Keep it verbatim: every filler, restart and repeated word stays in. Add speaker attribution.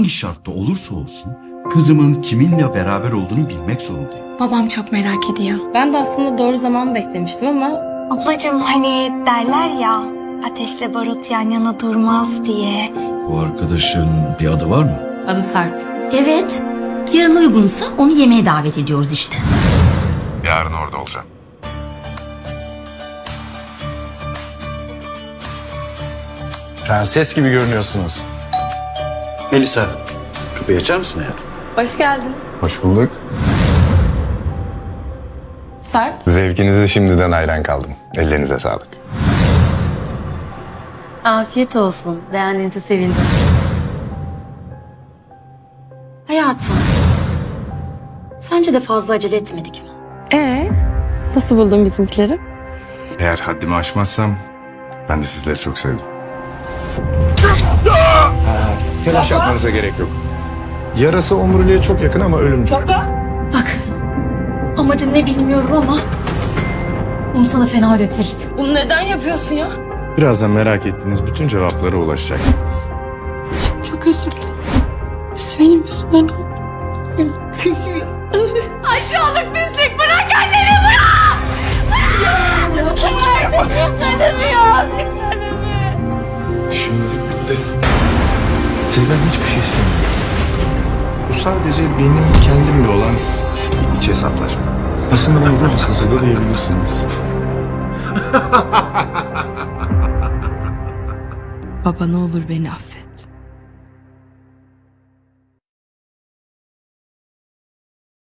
Speaker 1: şartta olursa olsun kızımın kiminle beraber olduğunu bilmek zorundayım.
Speaker 2: Babam çok merak ediyor.
Speaker 3: Ben de aslında doğru zaman beklemiştim ama...
Speaker 2: Ablacığım hani derler ya ateşle barut yan yana durmaz diye.
Speaker 1: Bu arkadaşın bir adı var mı?
Speaker 3: Adı Sarp.
Speaker 4: Evet. Yarın uygunsa onu yemeğe davet ediyoruz işte.
Speaker 5: Yarın orada olacağım.
Speaker 6: Prenses gibi görünüyorsunuz.
Speaker 1: Melisa, kapıyı açar mısın hayatım?
Speaker 3: Hoş geldin.
Speaker 6: Hoş bulduk.
Speaker 3: Sarp.
Speaker 5: Zevkinize şimdiden hayran kaldım. Ellerinize sağlık.
Speaker 4: Afiyet olsun. Beğendiğinize sevindim. Hayatım. Sence de fazla acele etmedik mi?
Speaker 3: Ee, nasıl buldun bizimkileri?
Speaker 5: Eğer haddimi aşmazsam ben de sizleri çok sevdim. Telaş yapmanıza gerek yok.
Speaker 6: Yarası omuriliğe çok yakın ama ölümcül.
Speaker 4: Bak. Amacın ne bilmiyorum ama bunu sana fena ödetiriz.
Speaker 3: Bunu neden yapıyorsun ya?
Speaker 5: Birazdan merak ettiğiniz bütün cevaplara ulaşacak.
Speaker 3: Çok özür dilerim. Biz benim yüzümden oldu.
Speaker 4: Aşağılık pislik, bırak annemi, bırak!
Speaker 6: Şimdilik bitti. Sizden hiçbir şey istemiyorum. Bu sadece benim kendimle olan bir iç hesaplaşma. Aslında bana ruh hastası da diyebilirsiniz.
Speaker 3: Baba ne olur beni affet.